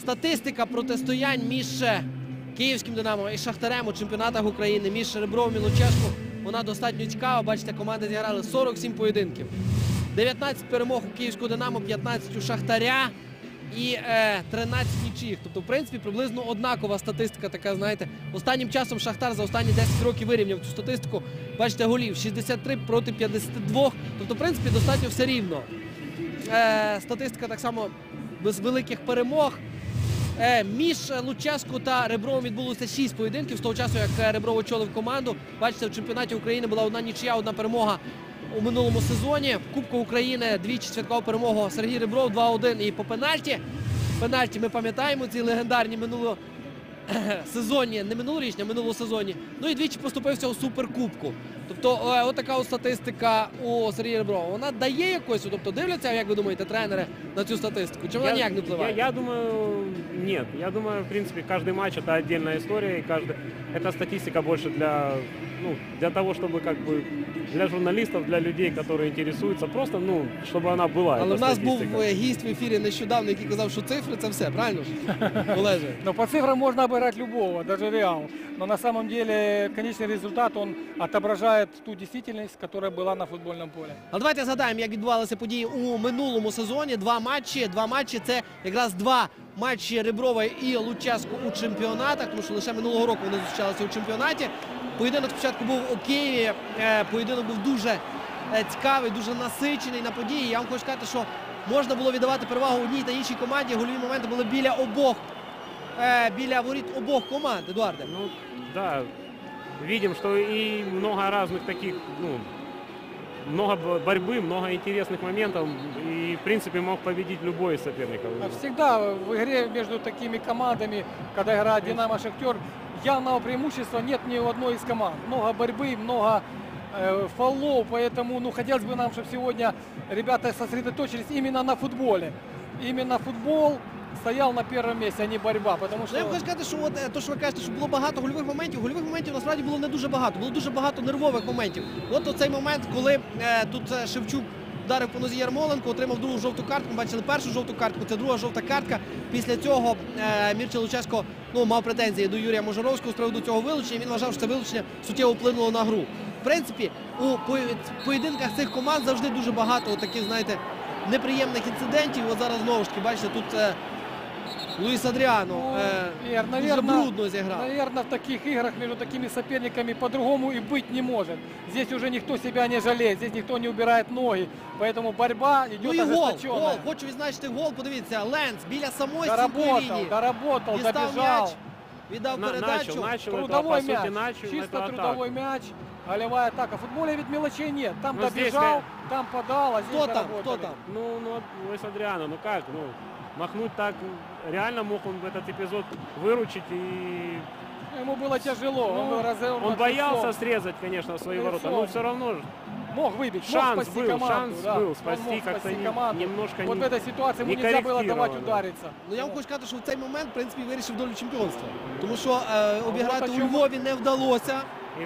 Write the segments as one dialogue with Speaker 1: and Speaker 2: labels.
Speaker 1: Статистика протистоянь між Київським Динамо і Шахтарем у чемпіонатах України, між Ребровим і Луческу, вона достатньо цікава. Бачите, команди зіграли 47 поєдинків. 19 перемог у Київського Динамо, 15 у Шахтаря і 13 нічиїх. Тобто, в принципі, приблизно однакова статистика така, знаєте. Останнім часом Шахтар за останні 10 років вирівняв цю статистику. Бачите, голів 63 проти 52. Тобто, в принципі, достатньо все рівно. Статистика так само без великих перемог. Між Луческу та Ребровим відбулося 6 поєдинків з того часу, як Ребров очолив команду. Бачите, в чемпіонаті України була одна нічия, одна перемога у минулому сезоні. В Кубку України двічі святкував перемогу Сергій Ребров 2-1 і по пенальті. Пенальті ми пам'ятаємо, ці легендарні минулосезонні, не минулорічні, а минулосезонні. Ну і двічі поступився у Суперкубку. Тобто, отака статистика у Сергія Реброва. Вона дає якось, тобто дивляться, як ви думаєте, тренери на цю статистику? Чи вона ніяк не впливає?
Speaker 2: Я думаю, нет. Я думаю, в принципе, каждый матч это отдельная история. И эта статистика больше для того, чтобы как бы для журналистов, для людей, которые интересуются, просто, чтобы она была.
Speaker 1: Але в нас був гість в ефірі нещодавно, який казав, що цифри – це все, правильно ж, Олеже?
Speaker 3: Но по цифрам можно обыграть любого, даже Реал. Но на самом деле конечный результат, он отображает ту действительность, которая была на футбольном поле.
Speaker 1: А давайте згадаємо, як відбувалися події у минулому сезоні. Два матчі – це якраз два матчі Реброва і Луческу у чемпіонатах, тому що лише минулого року вони зустрічалися у чемпіонаті. Поєдинок спочатку був у Києві, поєдинок був дуже цікавий, дуже насичений на події. Я вам хочу сказати, що можна було віддавати перевагу одній та іншій команді. Гольові моменти були біля воріт обох команд, Едуарде.
Speaker 2: Ну, да, видим, что и много разных таких, много борьбы, много интересных моментов. И, в принципе, мог победить любой из соперников.
Speaker 3: Всегда в игре между такими командами, когда играет Динамо, Шахтер, явного преимущества нет ни у одной из команд. Много борьбы, много фолов, поэтому хотелось бы нам, чтобы сегодня ребята сосредоточились именно на футболе. Именно футбол стоял на первом месте, а не борьба. Потому что...
Speaker 1: Я хочу сказати, що то, що ви кажете, що було багато гольових моментів насправді було не дуже багато. Було дуже багато нервових моментів. От оцей момент, коли тут Шевчук вдарив по нозі Ярмоленко, отримав другу жовту картку. Ми бачили першу жовту картку, це друга жовта картка. Після цього Мірча Луческо мав претензії до Юрія Можоровського з приводу цього вилучення. Він вважав, що це вилучення суттєво вплинуло на гру. В принципі, у поєдинках цих команд завжди дуже багато таких, знаєте, неприємних інцидентів. От зараз знову ж таки, бачите, тут Луїс Адріано дуже брудно зіграв.
Speaker 3: Наверное, в таких играх между такими соперниками по-другому и быть не может. Здесь уже никто себя не жалеет, здесь никто не убирает ноги. Поэтому борьба идет ожесточенная.
Speaker 1: Гол. Хочу відзначити гол. Подивіться, Ленц біля самої стінкової лінії.
Speaker 3: Доработал,
Speaker 1: дістав
Speaker 3: добежал.
Speaker 1: М'яч, віддав передачу.
Speaker 3: Трудовой мяч, чисто трудовой мяч. Голевая атака. В футболе ведь мелочей нет. Там добежал, там подал, а здесь доработали.
Speaker 1: Кто там?
Speaker 2: Луис Адриано, как? Махнуть так, реально мог он в этот эпизод выручить и...
Speaker 3: Ему было тяжело.
Speaker 2: Он боялся срезать, конечно, свои ворота, но все равно
Speaker 3: мог выбить,
Speaker 2: шанс
Speaker 3: мог спасти команду.
Speaker 2: Шанс был, спасти как-то немножко
Speaker 3: вот в этой ситуации ему нельзя было давать удариться.
Speaker 1: Ну, я вам хочу сказати, що в цей момент, в принципі, вирішив долю чемпіонства. Тому що обіграти у Львові не вдалося.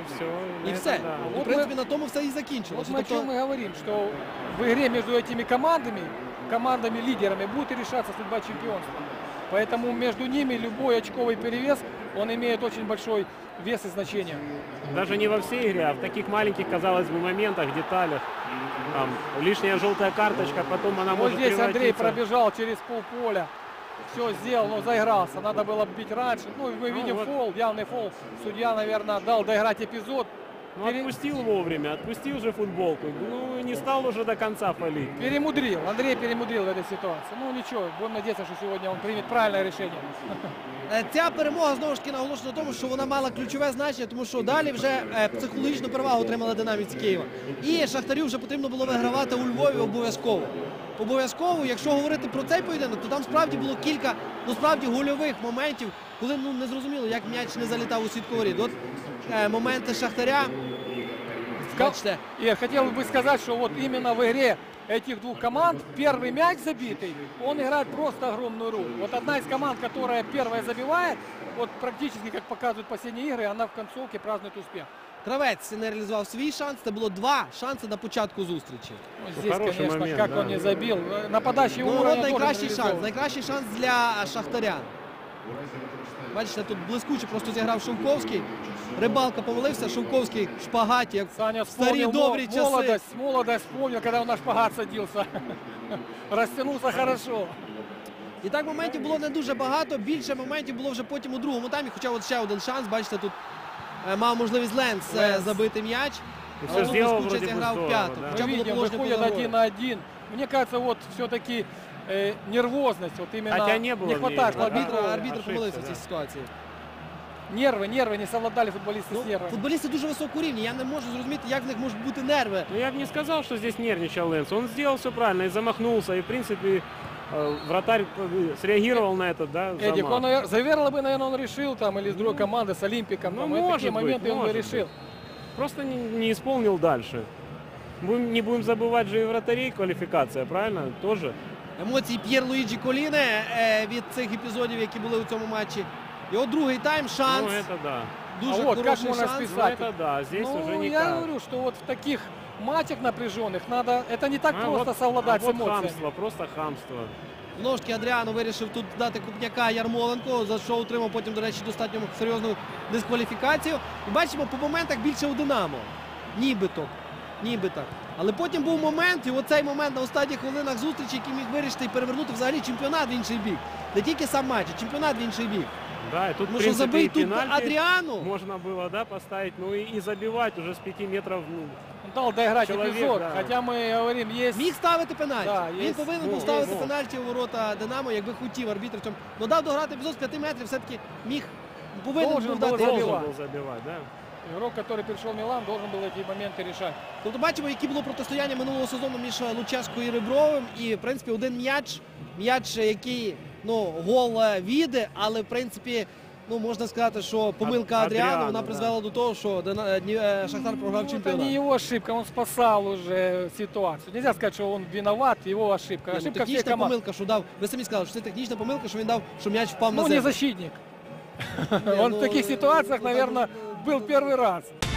Speaker 2: И все.
Speaker 1: В принципі, на тому все і закінчилося.
Speaker 3: Вот о чем мы говорим, что в игре между этими командами-лидерами будет решаться судьба чемпионства. Поэтому между ними любой очковый перевес, он имеет очень большой вес и значение.
Speaker 2: Даже не во всей игре, а в таких маленьких, казалось бы, моментах, деталях. Там лишняя желтая карточка, потом она может
Speaker 3: здесь
Speaker 2: превратиться...
Speaker 3: Андрей пробежал через полполя, все сделал, но заигрался. Надо было бить раньше. Мы видим фол, явный фол. Судья, наверное, дал доиграть эпизод.
Speaker 2: Отпустил вовремя, отпустил же футболку. Не стал уже до конца палить.
Speaker 3: Перемудрил, Андрей перемудрил в этой ситуации. Ничего, будем надеяться, что сегодня он примет правильное решение.
Speaker 1: Ця перемога, знову ж таки, наголошена на тому, що вона мала ключове значення, тому що далі вже психологічну перевагу отримала динамівці Києва. І Шахтарю вже потрібно було вигравати у Львові обов'язково. Обов'язково, якщо говорити про цей поєдинок, то там справді було кілька, справді гольових моментів, коли не зрозуміло, як м'яч не залітав у сітку воріт. От моменти Шахтаря.
Speaker 3: И хотел бы сказать, что вот именно в игре этих двух команд первый мяч забитый, он играет просто огромную роль. Вот одна из команд, которая первая забивает, вот практически, как показывают последние игры, она в концовке празднует успех.
Speaker 1: Кравець не реалізував свій шанс. Це було 2 шанси на початку зустрічі.
Speaker 3: Ну, здесь,
Speaker 2: хороший
Speaker 3: конечно,
Speaker 2: момент,
Speaker 3: как
Speaker 2: да.
Speaker 3: он не забил. Нападающий
Speaker 1: Ну,
Speaker 3: уровень
Speaker 1: от
Speaker 3: тоже
Speaker 1: найкращий шанс.
Speaker 3: реализован.
Speaker 1: Найкращий шанс для Шахтаря. Бачите, тут блискуче просто зіграв Шовковський. Рибалка помилився, Шовковський в шпагаті, як
Speaker 3: Саня
Speaker 1: в старі
Speaker 3: вспомнил
Speaker 1: добрі часи.
Speaker 3: молодость вспомнил, когда он на шпагат садился. Растянулся хорошо.
Speaker 1: І так моментів було не дуже багато. Більше моментів було вже потім у другому таймі. Хоча от ще один шанс. Бачите, тут мав можливість Ленс забити м'яч.
Speaker 2: И
Speaker 1: Але
Speaker 2: все сделал
Speaker 1: блискуче
Speaker 2: вроде бы
Speaker 1: зіграв
Speaker 2: здорово,
Speaker 1: п'яту.
Speaker 2: да.
Speaker 1: Хоча
Speaker 3: Мы
Speaker 1: було
Speaker 3: видим,
Speaker 1: положення
Speaker 3: выходят
Speaker 1: поза
Speaker 3: один
Speaker 1: грою.
Speaker 3: на один. Мне кажется, вот все-таки нервозность, вот именно
Speaker 2: Хотя не было в ней
Speaker 3: хватает
Speaker 2: игры, да.
Speaker 3: арбитра.
Speaker 1: Арбітр помилився в цій
Speaker 2: да.
Speaker 1: ситуації.
Speaker 3: Нервы не совладали футболисты
Speaker 1: Ну,
Speaker 3: с нервами.
Speaker 1: футболісти дуже високого рівня. Я не можу зрозуміти, як в них можуть бути нерви.
Speaker 2: Ну, я бы не сказал, что здесь нервничал Лэнс. Он сделал все правильно и замахнулся. И, в принципе, вратарь среагировал на этот, да,
Speaker 3: Эдик,
Speaker 2: замах.
Speaker 3: он, наверное, бы, наверное, он решил там, или с другой команды, с Олимпиком.
Speaker 2: Ну,
Speaker 3: там, и
Speaker 2: может
Speaker 3: такие
Speaker 2: быть,
Speaker 3: моменты он бы
Speaker 2: может
Speaker 3: решил.
Speaker 2: Просто не исполнил дальше. Не будем забывать же и вратарей квалификация, правильно? Тоже.
Speaker 1: Емоції П'єр Луїджі Коліне від цих епізодів, які були у цьому матчі. Його другий тайм, шанс.
Speaker 2: Ну, это да.
Speaker 1: Дуже
Speaker 3: А от як
Speaker 1: хороший
Speaker 3: можна
Speaker 1: шанс.
Speaker 2: Ну,
Speaker 3: списать?
Speaker 2: это да. Здесь
Speaker 3: Ну,
Speaker 2: уже
Speaker 3: я
Speaker 2: никак.
Speaker 3: говорю, что вот в таких матчах напряженных надо, это не так
Speaker 2: А
Speaker 3: просто
Speaker 2: вот-
Speaker 3: совладать
Speaker 2: а
Speaker 3: с
Speaker 2: вот
Speaker 3: эмоциями.
Speaker 2: хамство, просто хамство.
Speaker 1: Знову ж таки Адріано вирішив тут дати Купняка Ярмоленко, за що отримав потім, до речі, достатньо серйозну дискваліфікацію. І бачимо, по моментах більше у Динамо. Нібито. Нібито. Але потім був момент, і оцей момент на останніх хвилинах зустрічі, який міг вирішити і перевернути взагалі чемпіонат в інший бік. Не тільки сам матч, а чемпіонат в інший бік.
Speaker 2: Да, и тут,
Speaker 1: Тому
Speaker 2: в
Speaker 1: що
Speaker 2: принципе,
Speaker 1: забий
Speaker 2: и
Speaker 1: тут
Speaker 2: пенальти
Speaker 1: Адріану.
Speaker 2: можно было, да, поставить, ну и забивать уже с 5 метров. Ну,
Speaker 3: Он дал доиграть
Speaker 2: Человек,
Speaker 3: эпизод,
Speaker 2: да.
Speaker 3: хотя мы говорим, есть...
Speaker 1: Міг ставити пенальті.
Speaker 3: Да,
Speaker 1: Він
Speaker 3: є.
Speaker 1: повинен
Speaker 2: Ну,
Speaker 1: був ставити
Speaker 2: мог.
Speaker 1: пенальті у ворота Динамо, якби хотів арбітр цьому. Ну дав дограти епізод з 5 метрів, все-таки міг, повинен
Speaker 3: Должен
Speaker 1: був
Speaker 3: був
Speaker 1: дати
Speaker 3: забивати.
Speaker 1: епізод.
Speaker 2: должен был забивать, да.
Speaker 3: Игрок, который пришел в Милан, должен был эти моменты решать.
Speaker 1: Тобто бачимо, яке було протистояння минулого сезону між Луческо і Ребровим. І, в принципі, один м'яч, який, ну, гол віде, але, в принципі, ну, можна сказати, що помилка Адріану, вона
Speaker 2: Адріано,
Speaker 1: призвела до того, що Шахтар програв
Speaker 3: Ну, это
Speaker 1: чемпіонат.
Speaker 3: не его ошибка, он спасал уже ситуацию. Нельзя сказать, что он виноват, его ошибка.
Speaker 1: Ні, ну,
Speaker 3: Ошибка всей
Speaker 1: технічна
Speaker 3: команды.
Speaker 1: помилка, що дав. Ви самі сказали, що це технічна помилка, що він дав, що м'яч впав на
Speaker 3: Ну,
Speaker 1: землю.
Speaker 3: не защитник.
Speaker 1: Не,
Speaker 3: Он
Speaker 1: ну,
Speaker 3: в таких ситуациях,
Speaker 1: ну, так,
Speaker 3: наверное, был первый раз.